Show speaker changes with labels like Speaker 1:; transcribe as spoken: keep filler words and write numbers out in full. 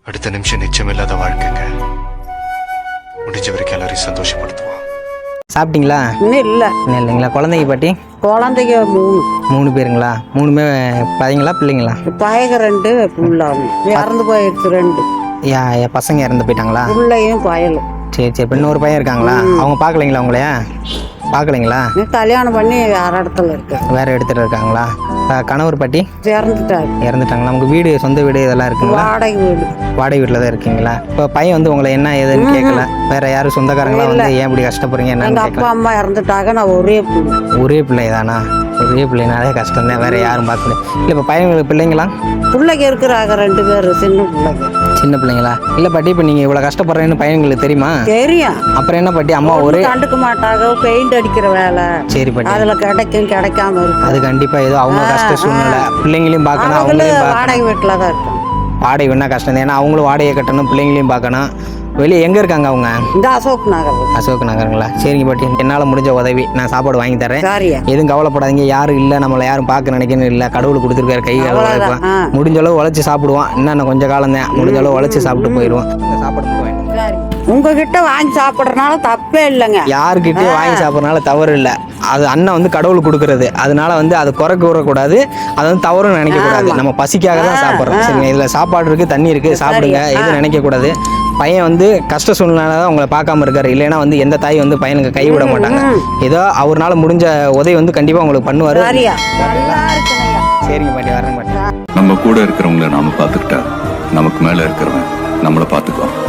Speaker 1: அடுத்த நிமிஷம் நிச்சயமில்லாத வாழ்க்கைங்க. முடிஞ்ச வரைக்கும் எல்லாரையும் சந்தோஷப்படுத்துவோம்.
Speaker 2: சாப்பிட்டீங்களா?
Speaker 3: இன்னும் இல்லை.
Speaker 2: இன்னும் இல்லைங்களா? குழந்தைங்க பாட்டி?
Speaker 3: குழந்தைங்க மூணு.
Speaker 2: மூணு பேருங்களா? மூணுமே பையங்களா பிள்ளைங்களா?
Speaker 3: பயக ரெண்டு புள்ளாவும் இறந்து போயிடுச்சு ரெண்டு.
Speaker 2: யா என் பசங்க இறந்து போயிட்டாங்களா?
Speaker 3: பிள்ளையும் பயலும்.
Speaker 2: சரி சரி. இப்போ இன்னொரு பையன் இருக்காங்களா? அவங்க பார்க்கலைங்களா உங்களையா? பார்க்கலைங்களா?
Speaker 3: கல்யாணம் பண்ணி வேற இடத்துல இருக்கு.
Speaker 2: வேற இடத்துல இருக்காங்களா? கணவர் பாட்டி
Speaker 3: இறந்துட்டாரு.
Speaker 2: இறந்துட்டாங்களா? உங்கள் வீடு சொந்த வீடு இதெல்லாம் இருக்குங்களா?
Speaker 3: வாடகை வீடு.
Speaker 2: வாடகை வீட்டில் தான் இருக்கீங்களா? இப்போ பையன் வந்து உங்களை என்ன ஏதுன்னு கேட்கல? வேற யாரும் சொந்தக்காரங்களா வந்து ஏன் இப்படி கஷ்டப்படுறீங்க என்னன்னு
Speaker 3: எங்கள்
Speaker 2: கேட்கல?
Speaker 3: அப்பா அம்மா இறந்துட்டாங்க. நான் ஒரே பிள்ளை.
Speaker 2: ஒரே பிள்ளை தானா? ஒரே பிள்ளைனாலே கஷ்டம் தான். வேற யாரும் பார்க்கல. இல்லை இப்போ பையன் பிள்ளைங்களா?
Speaker 3: பிள்ளைங்க இருக்கிறாங்க ரெண்டு பேர் சின்ன பிள்ளைங்க.
Speaker 2: சின்ன பிள்ளைங்களா? இல்லை பாட்டி இப்போ நீங்கள் இவ்வளோ கஷ்டப்படுறேன்னு பையன்களுக்கு தெரியுமா?
Speaker 3: தெரியும்.
Speaker 2: அப்புறம் என்ன பாட்டி அம்மா ஒரே
Speaker 3: கண்டுக்க மாட்டாங்க. பெயிண்ட் அடிக்கிற வேலை.
Speaker 2: சரி பாட்டி.
Speaker 3: அதுல கிடைக்கும் கிடைக்காம இருக்கு.
Speaker 2: அது கண்டிப்பா ஏதோ அவங்க கஷ்ட சூழ்நிலை. பிள்ளைங்களையும் பார்க்கணும் அவங்களையும்
Speaker 3: வாடகை
Speaker 2: பார்க்கணும்.
Speaker 3: வீட்டுல தான் இருக்கும்.
Speaker 2: வாடகை வேணா கஷ்டம் தான். ஏன்னா அவங்களும் வாடகை கட்டணும் பிள்ளைங்களையும் பார்க்கணும். வெளியே எங்கே இருக்காங்க அவங்க?
Speaker 3: இந்த அசோக் நகர்.
Speaker 2: அசோக் நகருங்களா? சரிங்க பாட்டி. என்னால் முடிஞ்ச உதவி நான் சாப்பாடு வாங்கி தரேன்.
Speaker 3: சரியா?
Speaker 2: எதுவும் கவலைப்படாதீங்க. யாரும் இல்லை நம்மளை யாரும் பார்க்க நினைக்கணும் இல்லை. கடவுள் கொடுத்துருக்காரு கை
Speaker 3: அவ்வளவுதான். ஆ.
Speaker 2: முடிஞ்ச அளவு உழைச்சி சாப்பிடுவோம். இன்னும் கொஞ்சம் காலம் தான். முடிஞ்ச அளவு உழைச்சி சாப்பிட்டு போயிடுவோம். இந்த சாப்பாடு போவேன்.
Speaker 3: உங்ககிட்ட வாங்கி சாப்பிட்றதுனால தப்பே இல்லைங்க.
Speaker 2: யாருக்கிட்டே வாங்கி சாப்பிட்றதுனால தவறு இல்லை. அது அண்ணன் வந்து கடவுள் கொடுக்கறது. அதனால வந்து அது குறை கூறக்கூடாது. அது வந்து தவறுன்னு நினைக்கக்கூடாது. நம்ம பசிக்காக தான் சாப்பிட்றோம். சரிங்க. இதில் சாப்பாடு இருக்குது, தண்ணி இருக்குது, சாப்பிடுங்க. எதுவும் நினைக்கக்கூடாது. பையன் வந்து கஷ்ட சூழ்நிலை தான் உங்களை பார்க்காம இருக்காரு. இல்லைன்னா வந்து எந்த தாய் வந்து பையனுக்கு கைவிட மாட்டாங்க. ஏதோ அவர்னால முடிஞ்ச உதவி வந்து கண்டிப்பாக உங்களுக்கு பண்ணுவார். சரிங்க பாட்டி, வரேன் பாட்டி.
Speaker 4: நம்ம கூட இருக்கிறவங்கள நாம பார்த்துக்கிட்டா நமக்கு மேலே இருக்கிறவன் நம்மளை பார்த்துக்குவான்.